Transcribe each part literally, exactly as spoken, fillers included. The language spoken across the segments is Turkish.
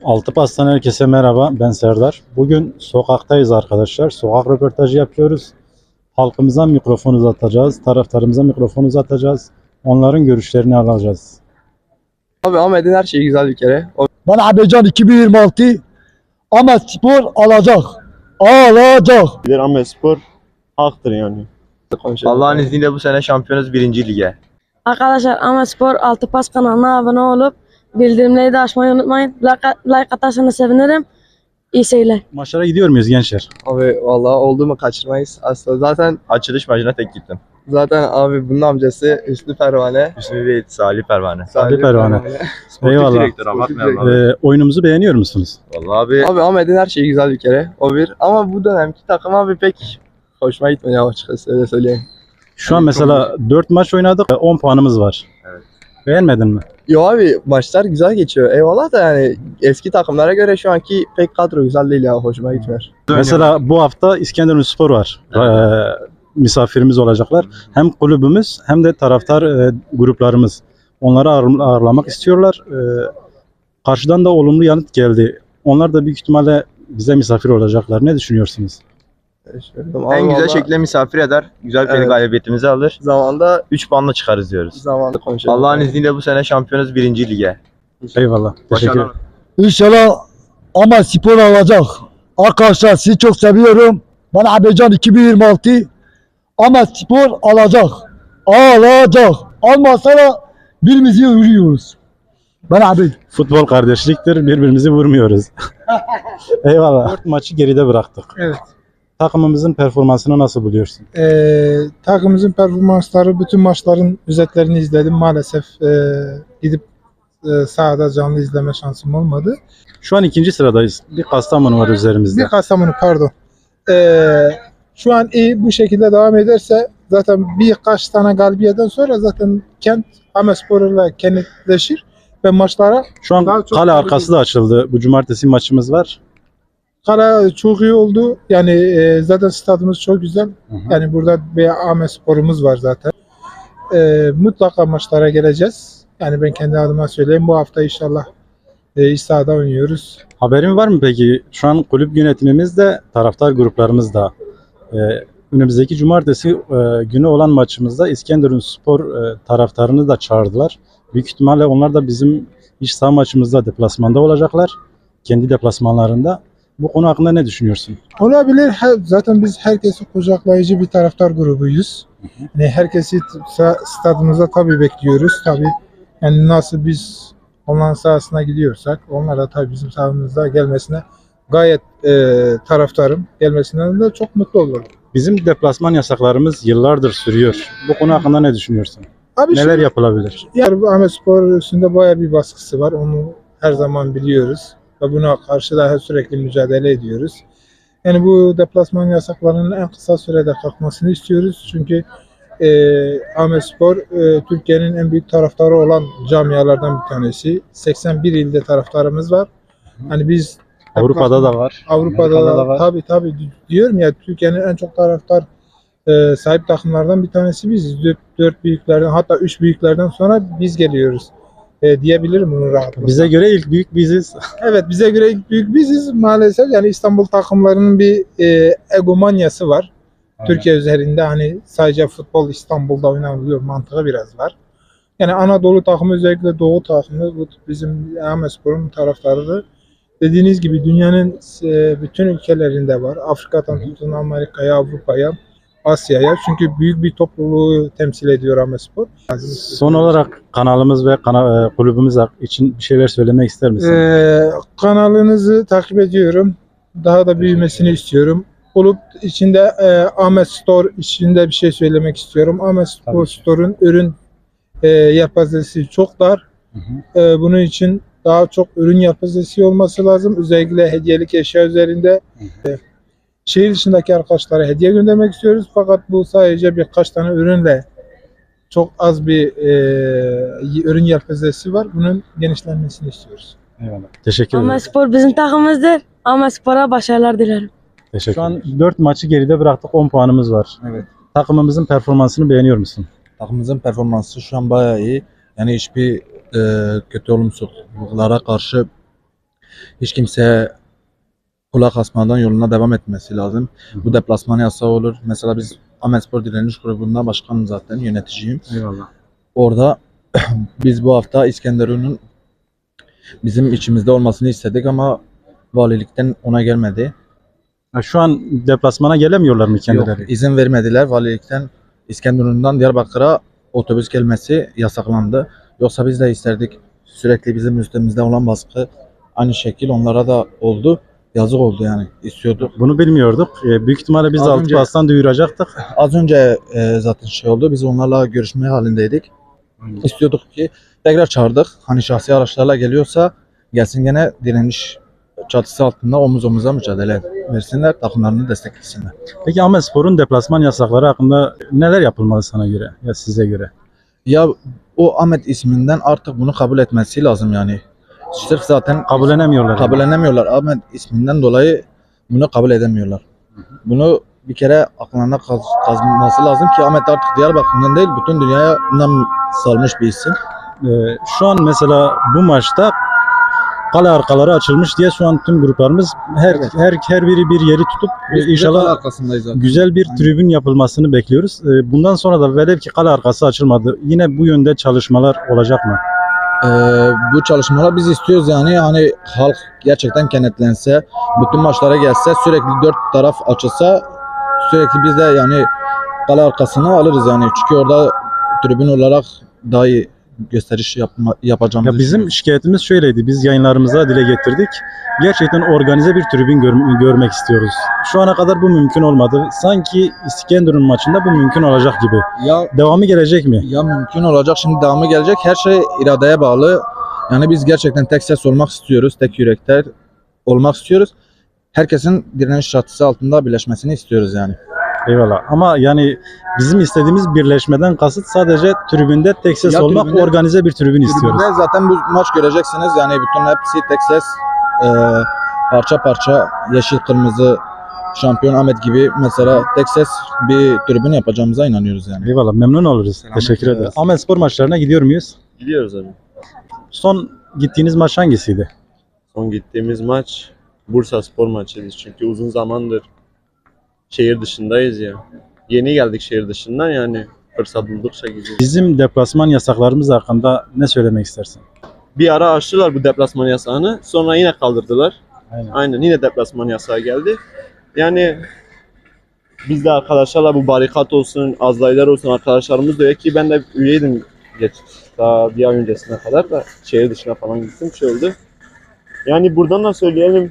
Altı Pas'tan herkese merhaba, ben Serdar. Bugün sokaktayız arkadaşlar. Sokak röportajı yapıyoruz. Halkımıza mikrofon uzatacağız, taraftarımıza mikrofon uzatacağız. Onların görüşlerini alacağız. Abi Ahmet'in her şeyi güzel bir kere. O Ben Abecan iki bin yirmi altı Ahmet Spor alacak. Alacak. Bilir Ahmet Spor haktır yani. konuşuyor. Allah'ın izniyle bu sene şampiyonuz birinci lige. Arkadaşlar Ahmet Spor Altı Pas kanalına abone olup bildirimleri de açmayı unutmayın. Like, like atarsanız sevinirim. İyi seyirler. Maçlara gidiyor muyuz gençler? Abi vallahi oldu mu kaçırmayız. Aslında zaten Açılış maçına tek gittim. zaten abi bunun amcası Hüsnü Pervane. Hüsnü değil, Salih Pervane. Salih Pervane. Sportif Eyvallah. direktör, abartmayalım abi. Ee, oyunumuzu beğeniyor musunuz? Vallahi abi Abi Ahmet'in her şeyi güzel bir kere. O bir. Ama bu dönemki takım abi pek hoşuma gitmiyor açıkçası, öyle söyleyeyim. Şu an mesela dört maç oynadık, on puanımız var. Evet. Beğenmedin mi? Yo abi maçlar güzel geçiyor. Eyvallah da yani eski takımlara göre şu anki pek kadro güzel değil ya, hoşuma gitmiyor. Mesela bu hafta İskenderunspor var. Ee, misafirimiz olacaklar. Hem kulübümüz hem de taraftar e, gruplarımız. Onları ağır- ağırlamak istiyorlar. Ee, karşıdan da olumlu yanıt geldi. Onlar da büyük ihtimalle bize misafir olacaklar. Ne düşünüyorsunuz? en güzel şekilde misafir eder. Güzel bir Evet. galibiyetimizi alır. zamanda üç puanla çıkarız diyoruz. zamanda konuşuyoruz. Allah'ın izniyle bu sene şampiyonuz birinci lige. Eyvallah. Teşekkür ederim. Başarılar. İnşallah Ahmet Spor alacak. Arkadaşlar sizi çok seviyorum. Ben Abecan iki bin yirmi altı Ahmet Spor alacak. Alacak. Almazsa da birbirimizi vuruyoruz. Ben abi. Futbol kardeşliktir. Birbirimizi vurmuyoruz. Eyvallah. Dört maçı geride bıraktık. Evet. Takımımızın performansını nasıl buluyorsun? Ee, takımımızın performansları, bütün maçların özetlerini izledim. Maalesef e, gidip e, sahada canlı izleme şansım olmadı. Şu an ikinci sıradayız. Bir Kastamonu var üzerimizde. Bir Kastamonu pardon. Ee, şu an iyi bu şekilde devam ederse zaten birkaç tane galibiyetten sonra zaten kent Ahmetspor'la kenetleşir ve maçlara Şu an Daha çok kale tabii arkası da açıldı. Bu cumartesi maçımız var. kara çok iyi oldu. Yani e, zaten stadımız çok güzel. Hı hı. Yani burada bir Ahmetspor'umuz var zaten. Ee, mutlaka maçlara geleceğiz. Yani ben kendi adıma söyleyeyim. Bu hafta inşallah e, iç sahada oynuyoruz. Haberin var mı peki? Şu an kulüp yönetimimiz de taraftar gruplarımız da e, önümüzdeki cumartesi e, günü olan maçımızda İskenderunspor e, taraftarını da çağırdılar. Büyük ihtimalle onlar da bizim iç saha maçımızda deplasmanda olacaklar. Kendi deplasmanlarında. Bu konu hakkında ne düşünüyorsun? Olabilir. Her- Zaten biz herkesi kucaklayıcı bir taraftar grubuyuz. Yani herkesi sa- stadımıza tabii bekliyoruz. Tabii yani nasıl biz onların sahasına gidiyorsak onlar da tabii bizim sahamıza gelmesine gayet e, taraftarım. Gelmesinden de çok mutlu olurum. Bizim deplasman yasaklarımız yıllardır sürüyor. Bu konu hakkında ne düşünüyorsun? Abi Neler şu- yapılabilir? Yani bu Ahmetspor üstünde bayağı bir baskısı var. Onu her zaman biliyoruz. Ve buna karşı da sürekli mücadele ediyoruz. Yani bu deplasman yasaklarının en kısa sürede kalkmasını istiyoruz. Çünkü e, Ahmetspor e, Türkiye'nin en büyük taraftarı olan camialardan bir tanesi. seksen bir ilde taraftarımız var. Hani biz Avrupa'da da var. Avrupa'da Amerika'da da, da var. tabii tabii diyorum ya, Türkiye'nin en çok taraftar e, sahip takımlardan bir tanesi biziz. Dört, dört büyüklerden, hatta üç büyüklerden sonra biz geliyoruz e, diyebilirim bunu rahatlıkla. Bize göre ilk büyük biziz. Evet, bize göre ilk büyük biziz maalesef. Yani İstanbul takımlarının bir e, egomanyası var. Türkiye üzerinde hani sadece futbol İstanbul'da oynanılıyor mantığı biraz var. Yani Anadolu takımı, özellikle Doğu takımı, bu bizim Ahmetspor'un taraftarı. Dediğiniz gibi dünyanın e, bütün ülkelerinde var. Afrika'dan tutun Amerika'ya, Avrupa'ya, Asya'ya. Çünkü büyük bir topluluğu temsil ediyor Ahmetspor. Son olarak kanalımız ve kana, e, kulübümüz için bir şeyler söylemek ister misin? Ee, kanalınızı takip ediyorum. Daha da büyümesini istiyorum. Olup içinde e, Ahmet Store içinde bir şey söylemek istiyorum. Ahmet Tabii ki. Store'un ürün e, yelpazesi çok dar. Hı hı. E, bunun için daha çok ürün yelpazesi olması lazım. Özellikle hediyelik eşya üzerinde. E, şehir dışındaki arkadaşlara hediye göndermek istiyoruz. Fakat bu sadece birkaç tane ürünle çok az bir e, ürün yelpazesi var. Bunun genişlenmesini istiyoruz. Eyvallah. Teşekkür ederim. Ahmet Spor bizim takımımızdır. Ahmet Spor'a başarılar dilerim. Teşekkür Şu an dört maçı geride bıraktık. on puanımız var. Evet. Takımımızın performansını beğeniyor musun? Takımımızın performansı şu an bayağı iyi. Yani hiçbir e, kötü olumsuzluklara karşı hiç kimseye kulak asmadan yoluna devam etmesi lazım. Bu deplasman yasağı olur. Mesela biz Ahmetspor Direniş Grubu'nda başkanım zaten, yöneticiyim. Eyvallah. Orada biz bu hafta İskenderun'un bizim içimizde olmasını istedik ama valilikten ona gelmedi. Ha, şu an deplasmana gelemiyorlar mı kendileri? Yok, izin vermediler valilikten. İskenderun'dan Diyarbakır'a otobüs gelmesi yasaklandı. Yoksa biz de isterdik. Sürekli bizim üstümüzde olan baskı aynı şekil onlara da oldu. Yazık oldu yani. İstiyorduk. Bunu bilmiyorduk. E, büyük ihtimalle biz Az altı önce- pastan duyuracaktık. Az önce e, zaten şey oldu. Biz onlarla görüşme halindeydik. İstiyorduk ki tekrar çağırdık. Hani şahsi araçlarla geliyorsa gelsin, gene direniş çatısı altında omuz omuza mücadele versinler. Takımlarını desteklesinler. Peki Ahmetspor'un deplasman yasakları hakkında neler yapılmalı sana göre ya size göre? Ya o Ahmet isminden artık bunu kabul etmesi lazım yani. Sırf zaten Kabullenemiyorlar. yani. kabullenemiyorlar. Ahmet isminden dolayı bunu kabul edemiyorlar. Bunu bir kere aklına kaz, kazınması lazım ki Ahmet artık Diyarbakır'dan değil, bütün dünyaya nam salmış bir isim. E, şu an mesela bu maçta kale arkaları açılmış diye şu an tüm gruplarımız her Evet. her her biri bir yeri tutup e, inşallah arkasındayız zaten. güzel bir tribün yapılmasını bekliyoruz. E, bundan sonra da velev ki kale arkası açılmadı. Yine bu yönde çalışmalar olacak mı? Ee, bu çalışmalar biz istiyoruz yani, hani halk gerçekten kenetlense, bütün maçlara gelse, sürekli dört taraf açılsa, sürekli biz de yani kale arkasını alırız yani, çünkü orada tribün olarak daha iyi gösteriş yapma, yapacağımızı Ya bizim şikayetimiz şöyleydi. Biz yayınlarımıza dile getirdik. Gerçekten organize bir tribün gör- görmek istiyoruz. Şu ana kadar bu mümkün olmadı. Sanki İskenderun maçında bu mümkün olacak gibi. ya Devamı gelecek mi? ya mümkün olacak, şimdi devamı gelecek, her şey iradeye bağlı. Yani biz gerçekten tek ses olmak istiyoruz, tek yürekler olmak istiyoruz. Herkesin direniş çatısı altında birleşmesini istiyoruz yani. Eyvallah. Ama yani bizim istediğimiz birleşmeden kasıt sadece tribünde tek ses Ya olmak, tribünde- organize bir tribün istiyoruz. Tribünde zaten bu maç göreceksiniz yani, bütün hepsi tek ses, e, parça parça, yeşil kırmızı, şampiyon Ahmet gibi mesela tek ses bir tribün yapacağımıza inanıyoruz yani. Eyvallah. Memnun oluruz. Teşekkür ederiz. ederiz. Ahmetspor maçlarına gidiyor muyuz? Gidiyoruz abi. Son gittiğiniz maç hangisiydi? Son gittiğimiz maç Bursa Spor maçıydı. Çünkü uzun zamandır şehir dışındayız ya. Yeni geldik şehir dışından, yani fırsat buldukça gidiyoruz. Bizim deplasman yasaklarımız hakkında ne söylemek istersin? Bir ara açtılar bu deplasman yasağını. Sonra yine kaldırdılar. Aynen. Aynen, yine deplasman yasağı geldi. Yani biz de arkadaşlarla bu barikat olsun, azlaylar olsun, arkadaşlarımız diyor ki ben de üyeydim geç, daha bir ay öncesine kadar da şehir dışına falan gittim, şey oldu. Yani buradan da söyleyelim,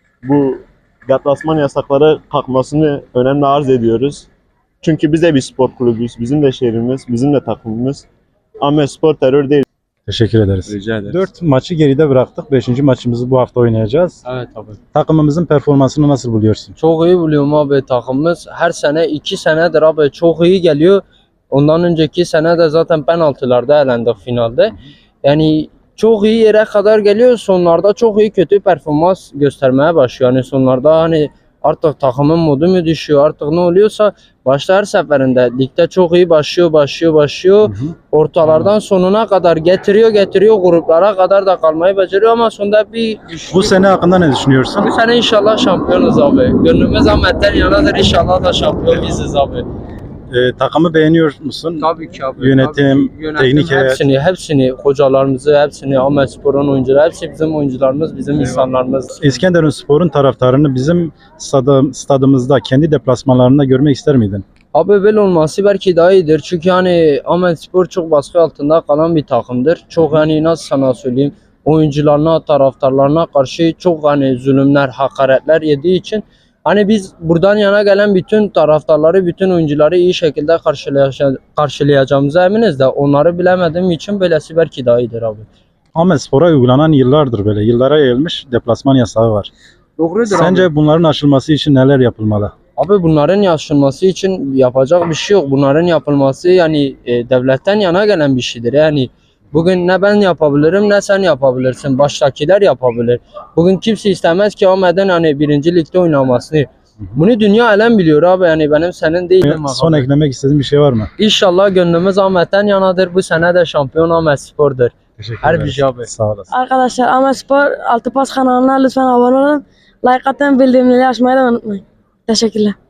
bu deplasman yasakları kalkmasını önemli arz ediyoruz. Çünkü biz de bir spor kulübüyüz, bizim de şehrimiz, bizim de takımımız. Ahmetspor terör değil. Teşekkür ederiz. Rica ederim. Dört maçı geride bıraktık. Beşinci maçımızı bu hafta oynayacağız. Evet abi. Takımımızın performansını nasıl buluyorsun? Çok iyi buluyorum abi takımımız. Her sene iki senedir abi çok iyi geliyor. Ondan önceki sene de zaten penaltılarda elendik finalde. Yani çok iyi yere kadar geliyor. Sonlarda çok iyi kötü performans göstermeye başlıyor. Yani sonlarda hani artık takımın modu mu düşüyor, artık ne oluyorsa başta her seferinde ligde çok iyi başlıyor, başlıyor, başlıyor. Ortalardan sonuna kadar getiriyor, getiriyor. Gruplara kadar da kalmayı beceriyor ama sonunda bir Bu sene hakkında ne düşünüyorsun? Bu sene inşallah şampiyonuz abi. Gönlümüz Ahmet'ten yanadır. İnşallah da şampiyon biziz abi. Ee, takımı beğeniyor musun? Tabii ki abi. Yönetim, Tabii ki. Yönetim, teknik heyet. hepsini, hepsini, hocalarımızı, hepsini, Ahmetspor'un oyuncuları, hepsi bizim oyuncularımız, bizim insanlarımız. İskenderun Spor'un taraftarını bizim stadı, stadımızda, kendi deplasmanlarında görmek ister miydin? Abi böyle olması belki daha iyidir. Çünkü hani Ahmetspor çok baskı altında kalan bir takımdır. Çok hani nasıl sana söyleyeyim, oyuncularına, taraftarlarına karşı çok hani zulümler, hakaretler yediği için hani biz buradan yana gelen bütün taraftarları, bütün oyuncuları iyi şekilde karşılayacağ- karşılayacağımıza eminiz de onları bilemediğim için böylesi belki daha iyidir abi. Ahmetspor'a uygulanan yıllardır böyle, yıllara yayılmış deplasman yasağı var. Doğrudur Sence abi. bunların aşılması için neler yapılmalı? Abi bunların yaşanması için yapacak bir şey yok. Bunların yapılması yani e, devletten yana gelen bir şeydir. Yani bugün ne ben yapabilirim ne sen yapabilirsin. Baştakiler yapabilir. Bugün kimse istemez ki Ahmet'in hani birinci ligde oynamasını. Bunu dünya alem biliyor abi, yani benim senin değilim. Son abi. eklemek istediğin bir şey var mı? İnşallah gönlümüz Ahmet'ten yanadır. Bu sene de şampiyon Ahmetspor'dur. Teşekkür Her bir ederiz. şey abi. Sağ olasın. Arkadaşlar Ahmet Spor Altı Pas kanalına lütfen abone olun. Like atın, bildirimleri açmayı da unutmayın. Teşekkürler.